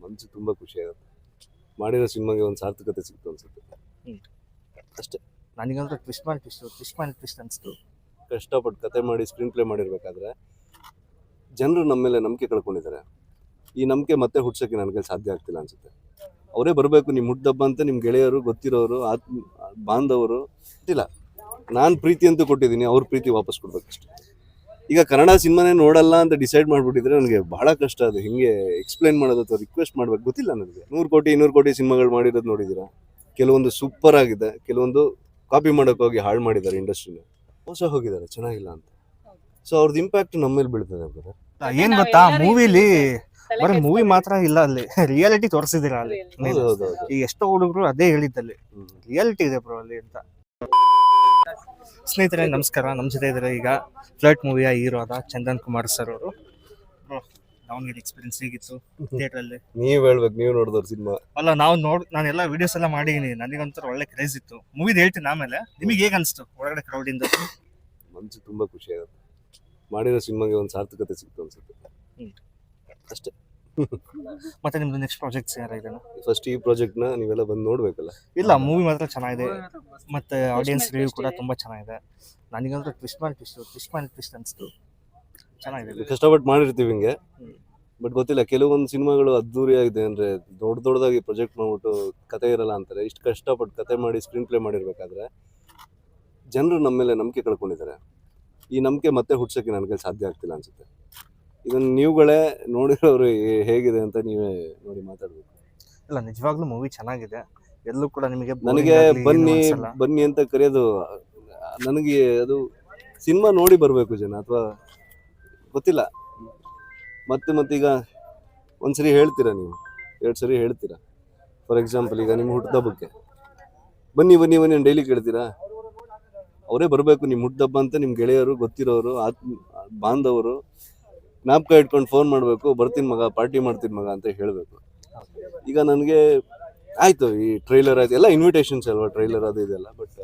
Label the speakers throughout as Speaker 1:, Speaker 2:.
Speaker 1: ಮನಸ್ಸು ತುಂಬ ಖುಷಿಯಾಗುತ್ತೆ. ಮಾಡಿರೋ ಸಿನಿಮಾಗೆ ಒಂದು ಸಾರ್ಥಕತೆ ಸಿಕ್ತು ಅನ್ಸುತ್ತೆ
Speaker 2: ಹ್ಮ್.
Speaker 1: ಅಷ್ಟೇ.
Speaker 2: ನನಗಂತೂ ಟ್ವಿಸ್ಟ್ ಅನಿಸ್ತು.
Speaker 1: ಕಷ್ಟಪಟ್ಟು ಕತೆ ಮಾಡಿ ಸ್ಕ್ರೀನ್ ಪ್ಲೇ ಮಾಡಿರ್ಬೇಕಾದ್ರೆ ಜನರು ನಮ್ಮ ಮೇಲೆ ನಂಬಿಕೆ ಕಳ್ಕೊಂಡಿದ್ದಾರೆ. ಈ ನಂಬಿಕೆ ಮತ್ತೆ ಹುಡ್ಸೋಕ್ಕೆ ನನಗೆ ಸಾಧ್ಯ ಆಗ್ತಿಲ್ಲ ಅನ್ಸುತ್ತೆ. ಅವರೇ ಬರಬೇಕು, ನಿಮ್ಮ ಹುಟ್ಟುಹಬ್ಬ ಅಂತ ನಿಮ್ಮ ಗೆಳೆಯರು, ಗೊತ್ತಿರೋರು, ಬಾಂಧವರು ಗೊತ್ತಿಲ್ಲ. ನಾನು ಪ್ರೀತಿ ಅಂತೂ ಕೊಟ್ಟಿದ್ದೀನಿ, ಅವ್ರ ಪ್ರೀತಿ ವಾಪಸ್ ಕೊಡ್ಬೇಕಷ್ಟೆ. ಈಗ ಕನ್ನಡ ಸಿನಿಮಾನೇ ನೋಡಲ್ಲ ಅಂತ ಡಿಸೈಡ್ ಮಾಡಿಬಿಟ್ಟಿದ್ರೆ ನನಗೆ ಬಹಳ ಕಷ್ಟ. ಅದು ಹಿಂಗೆ ಎಕ್ಸ್ಪ್ಲೈನ್ ಮಾಡೋದು ಅಥವಾ ರಿಕ್ವೆಸ್ಟ್ ಮಾಡ್ಬೇಕು ಗೊತ್ತಿಲ್ಲ ನನಗೆ. 100 ಕೋಟಿ 200 ಕೋಟಿ ಸಿನಿಮಾಗಳು ಮಾಡಿರೋದು ನೋಡಿದ್ದೀರಾ. ಕೆಲವೊಂದು ಸೂಪರ್ ಆಗಿದೆ, ಕೆಲವೊಂದು ಕಾಪಿ ಮಾಡೋಕೆ ಹೋಗಿ ಹಾಳು ಮಾಡಿದ್ದಾರೆ ಇಂಡಸ್ಟ್ರಿನ, ಮೋಸ ಹೋಗಿದ್ದಾರೆ, ಚೆನ್ನಾಗಿಲ್ಲ ಅಂತ. ಸೊ ಅವ್ರದ್ದು ಇಂಪ್ಯಾಕ್ಟ್ ನಮ್ಮ ಮೇಲೆ ಬೀಳ್ತದೆ ಬ್ರದರ್.
Speaker 2: ಏನ್ ಗೊತ್ತಾ, ಮೂವಿಲಿ ಬರೀ ಮೂವಿ ಮಾತ್ರ ಇಲ್ಲ, ಅಲ್ಲಿ ರಿಯಾಲಿಟಿ ತೋರಿಸಿದಿರ ಅಲ್ಲಿ.
Speaker 1: ಹೌದು.
Speaker 2: ಈ ಎಷ್ಟೋ ಹುಡುಗರು ಅದೇ ಹೇಳಿದ್ದಲ್ಲಿ ರಿಯಾಲಿಟಿ ಇದೆ ಬ್ರೋ ಅಲ್ಲಿ ಅಂತ. ಸ್ನೇಹಿತರೆ ನಮಸ್ಕಾರ, ನಮ್ಮ ಜೊತೆ ಇದ್ದಾರೆ ಈಗ ಫ್ಲರ್ಟ್ ಮೂವಿಯ ಹೀರೋ ಆದ ಚಂದನ್ ಕುಮಾರ್ ಸರ್ ಅವರು. ದಾವಣಗೆರೆ ಎಕ್ಸ್ಪೀರಿಯನ್ಸ್ ಹೇಗಿತ್ತು ಥಿಯೇಟರ್ ಅಲ್ಲಿ?
Speaker 1: ನೀವ್ ಹೇಳ್ಬೇಕು, ನೀವು ನೋಡಿದವ್ರ ಸಿನಿಮಾ.
Speaker 2: ಅಲ್ಲ, ನಾನೆಲ್ಲ ವಿಡಿಯೋಸ್ ಎಲ್ಲ ಮಾಡಿದೀನಿ, ನನಗಂತೂ ಒಳ್ಳೆ ಕ್ರೇಜ್ ಇತ್ತು. ಮೂವಿದ್ ಹೇಳ್ತೀನಿ ಆಮೇಲೆ. ನಿಮಗೆ ಹೇಗೆ ಅನಿಸ್ತು ಒಳಗಡೆ ಕ್ರೌಡ್ ಇಂದ?
Speaker 1: ಮನಸ್ಸು ತುಂಬಾ ಖುಷಿಯಾಗುತ್ತೆ. ಮಾಡಿರೋ ಸಿನಿಮಾಗೆ ಒಂದು ಸಾರ್ಥಕತೆ ಸಿಕ್ತು ಅನ್ಸುತ್ತೆ ಅಷ್ಟೇ.
Speaker 2: ಮತ್ತೆ ನಿಮ್ದು ನೆಕ್ಸ್ಟ್ ಪ್ರಾಜೆಕ್ಟ್ಸ್ ಯಾರಿದೆ?
Speaker 1: ಫಸ್ಟ್ ಈ ಪ್ರಾಜೆಕ್ಟ್ ನ ನೀವೆಲ್ಲ ಬಂದು ನೋಡ್ಬೇಕಲ್ಲ.
Speaker 2: ಇಲ್ಲ, ಮೂವಿ ಮಾತ್ರ ಚೆನ್ನಾಗಿದೆ, ಮತ್ತೆ ಆಡಿಯನ್ಸ್ ರಿವ್ಯೂ ಕೂಡ ತುಂಬಾ ಚೆನ್ನಾಗಿದೆ. ನನಗಂತೂ ಟ್ವಿಸ್ಟ್ ಅನಿಸ್ತು. ಚೆನ್ನಾಗಿದೆ.
Speaker 1: ಕಷ್ಟಪಟ್ಟು ಮಾಡಿರ್ತೀವಿ ಹಿಂಗೆ, ಬಟ್ ಗೊತ್ತಿಲ್ಲ, ಕೆಲವೊಂದು ಸಿನಿಮಾಗಳು ಅದ್ದೂರಿ ಆಗಿದೆ ಅಂದ್ರೆ ದೊಡ್ಡದಾಗಿ ಪ್ರೊಜೆಕ್ಟ್ ಮಾಡ್ಬಿಟ್ಟು ಕತೆ ಇರಲ್ಲ ಅಂತಾರೆ. ಇಷ್ಟು ಕಷ್ಟಪಟ್ಟು ಕತೆ ಮಾಡಿ ಸ್ಕ್ರೀನ್ ಪ್ಲೇ ಮಾಡಿರ್ಬೇಕಾದ್ರೆ ಜನರು ನಮ್ಮ ಮೇಲೆ ನಂಬಿಕೆ ಕಳ್ಕೊಂಡಿದ್ದಾರೆ. ಈ ನಂಬಿಕೆ ಮತ್ತೆ ಹುಡ್ಸೋಕ್ಕೆ ನನಗೆ ಸಾಧ್ಯ ಆಗ್ತಿಲ್ಲ ಅನ್ಸುತ್ತೆ. ಇದನ್ನ ನೀವುಗಳೇ ನೋಡಿರೋರು ಹೇಗಿದೆ ಅಂತ ನೀವೇ ನೋಡಿ ಮಾತಾಡ್ಬೇಕು.
Speaker 2: ಇಲ್ಲ, ನಿಜವಾಗ್ಲೂ ಮೂವಿ ಚೆನ್ನಾಗಿದೆ. ಎಲ್ಲೂ ಕೂಡ ನಿಮಗೆ
Speaker 1: ನನಗೆ ಬನ್ನಿ ಅಂತ ಕರೆಯೋದು, ನನಗೆ ಅದು ಸಿನಿಮಾ ನೋಡಿ ಬರಬೇಕು ಜನ, ಅಥವಾ ಗೊತ್ತಿಲ್ಲ. ಮತ್ತೀಗ ಒಂದ್ಸರಿ ಹೇಳ್ತೀರಾ, ನೀವು 2 ಸರಿ ಹೇಳ್ತೀರಾ. ಫಾರ್ ಎಕ್ಸಾಂಪಲ್, ಈಗ ನಿಮ್ಮ ಹುಟ್ಟುಹಬ್ಬಕ್ಕೆ ಬನ್ನಿ ಡೈಲಿ ಕೇಳ್ತೀರಾ. ಅವರೇ ಬರಬೇಕು, ನಿಮ್ಮ ಹುಟ್ಟುಹಬ್ಬ ಅಂತ ನಿಮ್ಮ ಗೆಳೆಯರು, ಗೊತ್ತಿರೋರು, ಬಾಂಧವರು ಜ್ಞಾಪಕ ಇಟ್ಕೊಂಡು ಫೋನ್ ಮಾಡಬೇಕು, ಬರ್ತೀನಿ ಮಗ, ಪಾರ್ಟಿ ಮಾಡ್ತೀನಿ ಮಗ ಅಂತ ಹೇಳಬೇಕು. ಈಗ ನನಗೆ ಆಯಿತು, ಈ ಟ್ರೈಲರ್ ಆಯ್ತು, ಎಲ್ಲ ಇನ್ವಿಟೇಷನ್ಸ್ ಅಲ್ವಾ, ಟ್ರೈಲರ್ ಅದು ಇದೆಲ್ಲ. ಬಟ್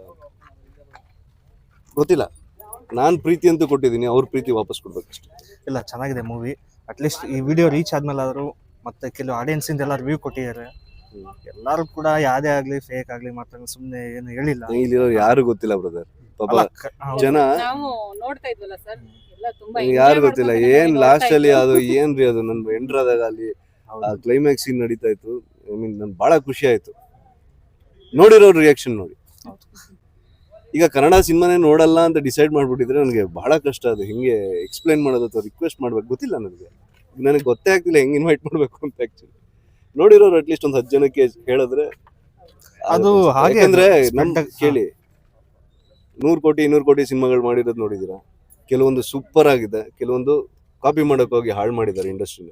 Speaker 1: ಗೊತ್ತಿಲ್ಲ, ನಾನು ಪ್ರೀತಿ ಅಂತೂ ಕೊಟ್ಟಿದ್ದೀನಿ, ಅವ್ರ ಪ್ರೀತಿ ವಾಪಸ್ ಕೊಡ್ಬೇಕಷ್ಟೆ.
Speaker 2: ಇಲ್ಲ, ಚೆನ್ನಾಗಿದೆ ಮೂವಿ. ಅಟ್ಲೀಸ್ಟ್ ಈ ವಿಡಿಯೋ ರೀಚ್ ಆದ್ಮೇಲೆ ಆದರೂ, ಮತ್ತೆ ಕೆಲವು ಆಡಿಯನ್ಸ್ ಇಂದ ಎಲ್ಲ ರಿವ್ಯೂ ಕೊಟ್ಟಿದ್ದಾರೆ. ಎಲ್ಲರೂ ಕೂಡ ಯಾವ್ದೇ ಆಗ್ಲಿ ಫೇಕ್ ಆಗ್ಲಿ ಮಾತ್ರ ಸುಮ್ಮನೆ ಏನು ಹೇಳಿಲ್ಲ.
Speaker 1: ಇಲ್ಲಿರೋ ಯಾರು ಗೊತ್ತಿಲ್ಲ ಬ್ರದರ್, ಪಾಪ ಜನ
Speaker 3: ನೋಡ್ತಾ ಇದ್ವಲ್ಲ ಸರ್,
Speaker 1: ಯಾರು ಗೊತ್ತಿಲ್ಲ. ಏನ್ ಲಾಸ್ಟ್ ಅಲ್ಲಿ ಅದು ಏನ್ರಿ, ಅದು ನನ್ ಎಂಟರ್ ಆದಾಗ ಅಲ್ಲಿ ಕ್ಲೈಮ್ಯಾಕ್ಸ್ ಸೀನ್ ನಡೀತಾ ಇತ್ತು. ಐ ಮೀನ್ ನನ್ ಬಹಳ ಖುಷಿ ಆಯ್ತು ನೋಡಿರೋ ರಿಯಾಕ್ಷನ್ ನೋಡಿ. ಈಗ ಕನ್ನಡ ಸಿನಿಮಾನೇ ನೋಡಲ್ಲ ಅಂತ ಡಿಸೈಡ್ ಮಾಡ್ಬಿಟ್ಟಿದ್ರೆ ನನಗೆ ಬಹಳ ಕಷ್ಟ. ಅದು ಹಿಂಗೆ ಎಕ್ಸ್ಪ್ಲೈನ್ ಮಾಡೋದು ಅಥವಾ ರಿಕ್ವೆಸ್ಟ್ ಮಾಡ್ಬೇಕು ಗೊತ್ತಿಲ್ಲ ನನಗೆ ಗೊತ್ತೇ ಆಗ್ತಿಲ್ಲ ಹೆಂಗ್ ಇನ್ವೈಟ್ ಮಾಡ್ಬೇಕು ಅಂತ. ಆಕ್ಚುಲಿ ನೋಡಿರೋರು ಅಟ್ಲೀಸ್ಟ್ ಒಂದು 10 ಜನಕ್ಕೆ ಹೇಳಿದ್ರೆ
Speaker 2: ಅದು ಹಾಗೆ.
Speaker 1: ಅಂದ್ರೆ ನಮ್ ಕೇಳಿ, 100 ಕೋಟಿ 200 ಕೋಟಿ ಸಿನಿಮಾಗಳು ಮಾಡಿರೋದು ನೋಡಿದೀರಾ. ಕೆಲವೊಂದು ಸೂಪರ್ ಆಗಿದೆ, ಕೆಲವೊಂದು ಕಾಪಿ ಮಾಡೋಕೆ ಹೋಗಿ ಹಾಳು ಮಾಡಿದ್ದಾರೆ ಇಂಡಸ್ಟ್ರಿನ.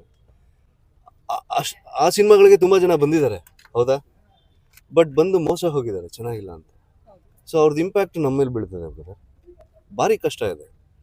Speaker 1: ಆ ಸಿನಿಮಾಗಳಿಗೆ ತುಂಬಾ ಜನ ಬಂದಿದ್ದಾರೆ, ಹೌದಾ, ಬಟ್ ಬಂದು ಮೋಸ ಹೋಗಿದ್ದಾರೆ, ಚೆನ್ನಾಗಿಲ್ಲ ಅಂತ. ಸೊ ಅವ್ರದ್ದು ಇಂಪ್ಯಾಕ್ಟ್ ನಮ್ಮ ಮೇಲೆ ಬೀಳ್ತದೆ ಬ್ರದರ್. ಭಾರಿ ಕಷ್ಟ ಇದೆ.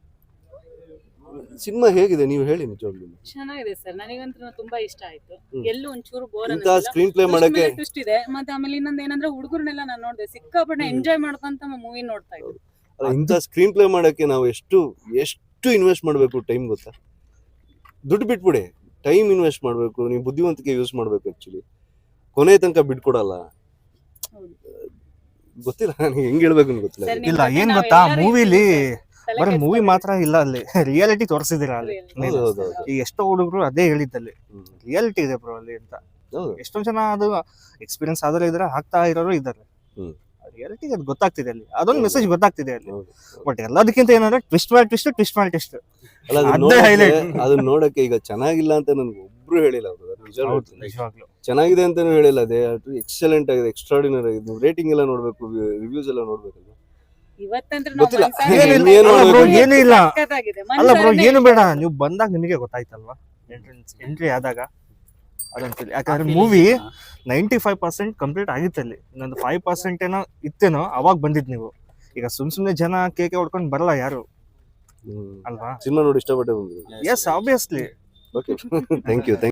Speaker 1: ಸಿನಿಮಾ ಹೇಗಿದೆ ನೀವು ಹೇಳಿ. ನಿಜವಾಗ್ಲೂ
Speaker 3: ಚೆನ್ನಾಗಿದೆ ಸರ್, ನನಗಂತೂ ತುಂಬಾ ಇಷ್ಟ ಆಯ್ತು. ಎಲ್ಲೂ ಒಂಚೂರು ಬೋರ್
Speaker 1: ಇಂತ ಸ್ಕ್ರೀನ್ ಪ್ಲೇ ಮಾಡಕ್ಕೆ
Speaker 3: ಟ್ವಿಸ್ಟ್ ಇದೆ. ಮತ್ತೆ ಆಮೇಲೆ ಇನ್ನೊಂದು ಏನಂದ್ರೆ, ಹುಡುಗರನ್ನೆಲ್ಲ ನಾನು ನೋಡಿದೆ, ಸಿಕ್ಕಾಪಟ್ಟೆ ಎಂಜಾಯ್ ಮಾಡ್ಕೊಂತ ಮೂವಿ ನೋಡ್ತಾ ಇದ್ರು.
Speaker 1: ಇಂಥ ಸ್ಕ್ರೀನ್ ಪ್ಲೇ ಮಾಡಕ್ಕೆ ನಾವು ಎಷ್ಟು ಇನ್ವೆಸ್ಟ್ ಮಾಡಬೇಕು ಟೈಮ್ ಗೊತ್ತಾ. ದುಡ್ಡು ಬಿಟ್ಬಿಡಿ, ಟೈಮ್ ಇನ್ವೆಸ್ಟ್ ಮಾಡಬೇಕು. ನೀವು ಬುದ್ಧಿವಂತಿಕೆ ಯೂಸ್ ಮಾಡಬೇಕು. ಆಕ್ಚುಲಿ ಕೊನೆ ತನಕ ಬಿಟ್ಕೊಡಲ್ಲ. ಗೊತ್ತಿಲ್ಲ ನನಗೆ ಹೆಂಗ್ ಹೇಳ್ಬೇಕು ಅಂತ ಗೊತ್ತಿಲ್ಲ.
Speaker 2: ಇಲ್ಲ, ಏನ್ ಗೊತ್ತಾ, ಮೂವಿಲಿ ಬರೀ ಮೂವಿ ಮಾತ್ರ ಇಲ್ಲ, ಅಲ್ಲಿ ರಿಯಾಲಿಟಿ ತೋರಿಸಿದಿರ ಅಲ್ಲಿ. ಈ ಎಷ್ಟೋ ಹುಡುಗರು ಅದೇ ಹೇಳಿದ್ದಲ್ಲಿ ರಿಯಾಲಿಟಿ ಇದೆ ಬ್ರೋ ಅಲ್ಲಿ ಅಂತ. ಎಷ್ಟೊಂದ್ ಜನ ಅದು ಎಕ್ಸ್ಪೀರಿಯನ್ಸ್ ಆದ್ರೆ ಇದ್ರೆ ಆಗ್ತಾ ಇರೋರು ಇದ್ದಾರೆ. ರಿಯಾಲಿಟಿ ಅದು ಗೊತ್ತಾಗ್ತಿದೆ ಅಲ್ಲಿ, ಅದೊಂದು ಮೆಸೇಜ್ ಗೊತ್ತಾಗ್ತಿದೆ ಅಲ್ಲಿ. ಬಟ್ ಎಲ್ಲದಕ್ಕಿಂತ ಏನಂದ್ರೆ ಟ್ವಿಸ್ಟ್ ಮಾಡಿ ಟ್ವಿಸ್ಟ್ ಅದೇ ಹೈಲೈಟ್.
Speaker 1: ಅದನ್ನ ನೋಡಕ್ಕೆ ಈಗ ಚೆನ್ನಾಗಿಲ್ಲ ಅಂತ ನನ್ಗೆ ಒಬ್ರು ಹೇಳಿಲ್ಲ ಅವರು.
Speaker 2: ನಿಜವಾಗ್ಲೂ
Speaker 1: ಚೆನ್ನಾಗಿದೆ ಅಂತಾನು ಹೇಳಿಲ್ಲ. ಅದೇ ಎಕ್ಸಲೆಂಟ್ ಆಗಿದೆ, ಎಕ್ಸ್ಟ್ರಾರ್ಡಿನರಿ ಆಗಿದೆ. ನೀವು ರೇಟಿಂಗ್ ಎಲ್ಲ ನೋಡ್ಬೇಕು, ರಿವ್ಯೂಸ್ ಎಲ್ಲ ನೋಡ್ಬೇಕಲ್ಲ. ಗೊತ್ತಿಲ್ಲ
Speaker 2: ಏನು ಇಲ್ಲ. ಅಲ್ಲ ಬ್ರೋ, ಏನು ಬೇಡ, ನೀವು ಬಂದಾಗ ನಿಮಗೆ ಗೊತ್ತಾಯ್ತಲ್ವಾ ಎಂಟ್ರಿ ಆದಾಗ ಅದಂತೇಳಿ. ಯಾಕಂದ್ರೆ ಮೂವಿ 95% ಕಂಪ್ಲೀಟ್ ಆಗಿತ್ತು ಅಲ್ಲಿ. ಇನ್ನೊಂದು 5% ಏನೋ ಇತ್ತೇನೋ ಅವಾಗ ಬಂದಿದ್ ನೀವು. ಈಗ ಸುಮ್ನೆ ಜನ ಕೇಕೆ ಹೊಡ್ಕೊಂಡು ಬರಲ್ಲ ಯಾರು, ಅಲ್ವಾ.
Speaker 1: ಸಿನಿಮಾ ನೋಡಿ ಇಷ್ಟಪಟ್ಟೆ ಬಂದಿದೆ.
Speaker 2: Yes, obviously.
Speaker 1: Okay, thank you.